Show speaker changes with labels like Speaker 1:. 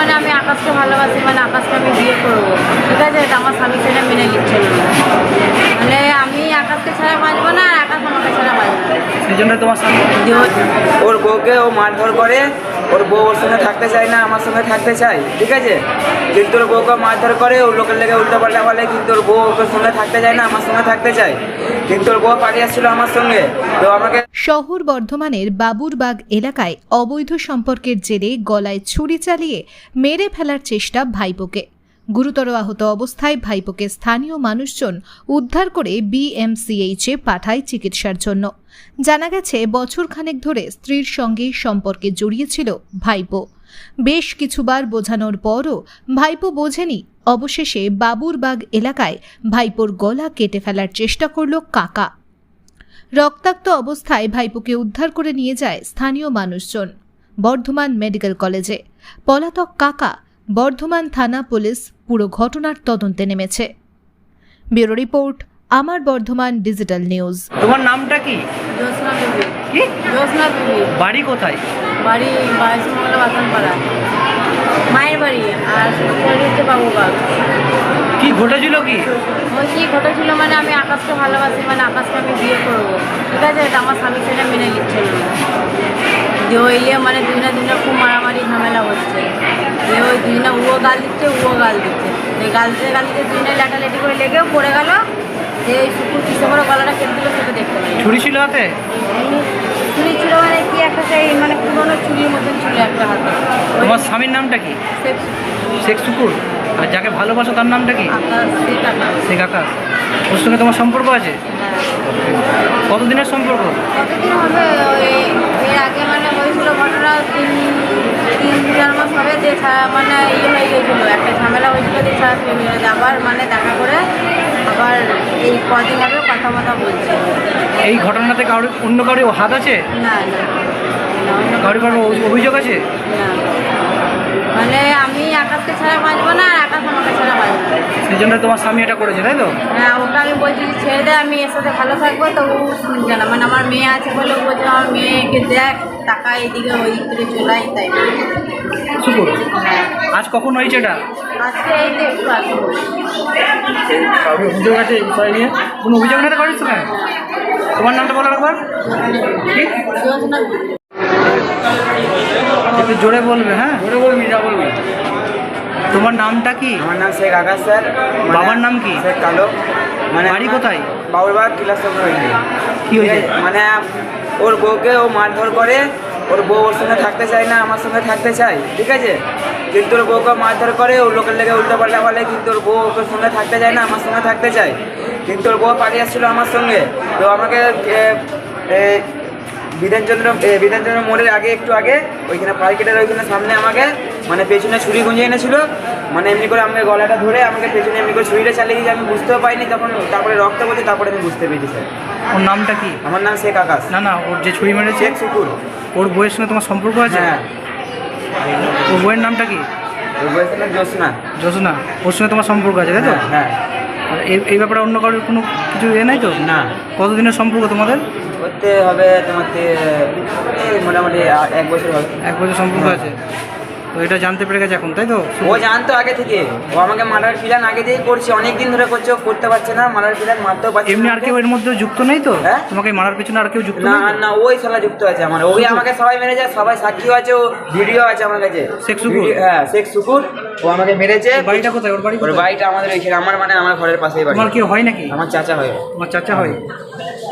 Speaker 1: মানে আমি আকাশকে ভালোবাসি, মানে আকাশকে আমি বিয়ে করবো, ঠিক আছে? এটা আমার স্বামী সেটা মেনে নিচ্ছিল না, মানে আমি আকাশকে ছাড়া বাঁচবো না, আর আকাশ আমাকে ছাড়া বাঁচবো না।
Speaker 2: সেই জন্য তোমার স্বামী
Speaker 3: ওর বউকে ও মারধর করে, ওর বউ ওর সঙ্গে থাকতে চায় না, আমার সঙ্গে থাকতে চায়, ঠিক আছে? কিন্তু ওর বউকে মারধর করে, ওর লোকের লেগে উল্টোপাল্টা বলে, কিন্তু ওর বউ ওর সঙ্গে থাকতে চায় না, আমার সঙ্গে থাকতে চায়, কিন্তু ওর বউ পালিয়ে আসছিল আমার সঙ্গে, তো আমাকে।
Speaker 4: শহর বর্ধমানের বাবুরবাগ এলাকায় অবৈধ সম্পর্কের জেরে গলায় ছুরি চালিয়ে মেরে ফেলার চেষ্টা ভাইপোকে। গুরুতর আহত অবস্থায় ভাইপোকে স্থানীয় মানুষজন উদ্ধার করে বিএমসিএইচে পাঠায় চিকিৎসার জন্য। জানা গেছে বছরখানেক ধরে স্ত্রীর সঙ্গে সম্পর্কে জড়িয়েছিল ভাইপো। বেশ কিছুবার বোঝানোর পরও ভাইপো বোঝেনি। অবশেষে বাবুরবাগ এলাকায় ভাইপোর গলা কেটে ফেলার চেষ্টা করল কাকা। রক্তাক্ত অবস্থায় ভাইপোকে উদ্ধার করে নিয়ে যায় স্থানীয় মানুষজন বর্ধমান মেডিকেল কলেজে। পলাতক কাকা, বর্ধমান থানা পুলিশ পুরো ঘটনার তদন্তে নেমেছে। ব্যুরো রিপোর্ট, আমার বর্ধমান ডিজিটাল নিউজ।
Speaker 2: তোমার নামটা কি?
Speaker 1: জ্যোৎস্না বিবি।
Speaker 2: কি?
Speaker 1: জ্যোৎস্না বিবি।
Speaker 2: বাড়ি কোথায়?
Speaker 1: বাড়ি বাইশমঙ্গলা বাতানপাড়া, মায়ের বাড়ি, আর বাড়ি হচ্ছে বাবুবাগ।
Speaker 2: কি ঘটেছিল কি?
Speaker 1: ওই কি ঘটেছিল মানে আমি আকাশকে ভালোবাসি, মানে আকাশকে আমি বিয়ে করবো, ঠিক আছে? এটা আমার স্বামী সেটা মেনে নিচ্ছিল না, যে ওই মানে দুজনে খুব মারামারি ঝামেলা হচ্ছে, যে ওই দুজনে ও গাল দিচ্ছে, ও গাল দিচ্ছে, এই গাল দিতে দুজনে লেটালেটি করে লেগেও পড়ে গেল, যে এই শুকুর কিসে করে গলাটা কেটে দিল সেটা দেখতে পাই।
Speaker 2: ছুরি ছিল হাতে?
Speaker 1: চুরি ছিল মানে কি একটা সেই মানে পুরোনো চুরির মতন ছিল একটা হাতে।
Speaker 2: তোমার স্বামীর নামটা কি? শেখ শুকুর। আর যাকে ভালোবাসো তার নামটা কি? শেখ আকাশ। ওর সঙ্গে তোমার সম্পর্ক আছে? কতদিনের সম্পর্ক?
Speaker 1: কতদিন হবে? এর আগে মানে হয়েছিল ঘটনা, তিন চার মাস হবে, যে মানে ইয়ে হয়ে গিয়েছিলো, একটা ঝামেলা হয়েছিল, যে আবার মানে দেখা করে আবার এই কদিন হবে কথা বলছে।
Speaker 2: এই ঘটনাতে অন্য কারো হাত আছে?
Speaker 1: না না,
Speaker 2: কারো অভিযোগ আছে?
Speaker 1: না, মানে আমি আকাশকে ছাড়া বাঁচবো না, আর আকাশ আমাকে ছাড়া বাঁচবো না।
Speaker 2: সেই জন্য তোমার স্বামী এটা করেছে, তাই তো?
Speaker 1: হ্যাঁ, ওটা আমি বলছি যে ছেড়ে দে, আমি এর সাথে ভালো থাকবো, তো ও শুনছে না, মানে আমার মেয়ে আছে বলে ও বলছে আমার মেয়েকে দেখ, টাকা এদিকে ওই দিকে চলাই, তাই
Speaker 2: শুকুর। আজ কখন হয়েছে এটা?
Speaker 1: আজকে এই তো একটু আগে বলছি।
Speaker 2: কারোর অভিযোগ আছে এই বিষয় নিয়ে? কোনো অভিযোগ না করিস তো কেন? তোমার নামটা বলো একবার। কি?
Speaker 1: জ্যোৎস্না বিবি।
Speaker 2: একটু জোরে বলবে। হ্যাঁ,
Speaker 3: জোরে বলবি, যা বলবি।
Speaker 2: তোমার নামটা কি?
Speaker 3: আমার নাম শেখ আকাশ স্যার।
Speaker 2: বাবার নাম কি?
Speaker 3: শেখ কালো। মানে
Speaker 2: বাড়ি কোথায়?
Speaker 3: বাবুরবাগ কিলাসচন্দ্র হয়েছে।
Speaker 2: কি হয়েছে?
Speaker 3: মানে ওর বউকে ও মারধর করে, ওর বউ ওর সঙ্গে থাকতে চায় না, আমার সঙ্গে থাকতে চায়, ঠিক আছে? কিন্তু ওর বউকে মারধর করে, ওর লোকের লেগে উল্টোপাল্টা বলে, কিন্তু ওর বউ ওর সঙ্গে থাকতে চায় না, আমার সঙ্গে থাকতে চায়, কিন্তু ওর বউ পালিয়ে আসছিল আমার সঙ্গে, তো আমাকে বিধানচন্দ্র মোড়ের আগে একটু আগে ওইখানে মার্কেটের ওইখানে সামনে আমাকে মানে পেছনে ছুরি গুঁজে এনেছিল, মানে এমনি করে আমাকে গলাটা ধরে আমাকে পেছনে এমনি করে ছুরিটা চালিয়ে গিয়েছে, আমি বুঝতেও পাইনি, তখন তারপরে রক্ত বলছে, তারপরে আমি বুঝতে পেরেছি স্যার।
Speaker 2: ওর নামটা কি?
Speaker 3: আমার নাম শেখ আকাশ।
Speaker 2: না, ওর যে ছুরি মেরেছে
Speaker 3: শেখ শুকুর।
Speaker 2: ওর বউয়ের সঙ্গে তোমার সম্পর্ক আছে?
Speaker 3: হ্যাঁ।
Speaker 2: ওর বউয়ের নামটা কি?
Speaker 3: ওর বয়স নাম জ্যোৎস্না।
Speaker 2: জ্যোৎস্না। ওর সঙ্গে তোমার সম্পর্ক আছে, তাই তো?
Speaker 3: হ্যাঁ।
Speaker 2: আর এই ব্যাপারে অন্য কারোর কোনো কিছু নাই তো?
Speaker 3: না।
Speaker 2: কতদিনের সম্পর্ক তোমাদের?
Speaker 3: করতে হবে তোমার মোটামুটি 1 বছর হবে।
Speaker 2: 1 বছর সম্পর্ক আছে। তো এটা জানতে পেরে গেছে এখন, তাই তো?
Speaker 3: ও জানতো আগে থেকে, ও আমাকে মারার প্ল্যান আগে থেকেই করছে, অনেক দিন ধরে করছে, ও করতে পারছে না, মারার প্ল্যান মারতেও পারছে না।
Speaker 2: এমনি আর কেউ এর মধ্যে যুক্ত নেই তো?
Speaker 3: হ্যাঁ?
Speaker 2: তোমাকে মারার পিছনে আর কেউ যুক্ত
Speaker 3: না
Speaker 2: নেই?
Speaker 3: না, ওই শালা যুক্ত আছে আমার, ওই আমাকে সবাই মেরেছে, সবাই সাক্ষীও আছে, ও ভিডিও আছে আমার কাছে।
Speaker 2: শেখ শুকুর?
Speaker 3: হ্যাঁ, শেখ শুকুর। ও আমাকে মেরেছে।
Speaker 2: ওর বাড়িটা কোথায়? ওর বাড়ি
Speaker 3: ওর
Speaker 2: কোথায়?
Speaker 3: বাড়িটা আমাদের ওইখানে, আমার ঘরের পাশেই বাড়ি।
Speaker 2: তোমার কেউ হয় নাকি?
Speaker 3: আমার চাচা হয়।
Speaker 2: তোমার চাচা হয়?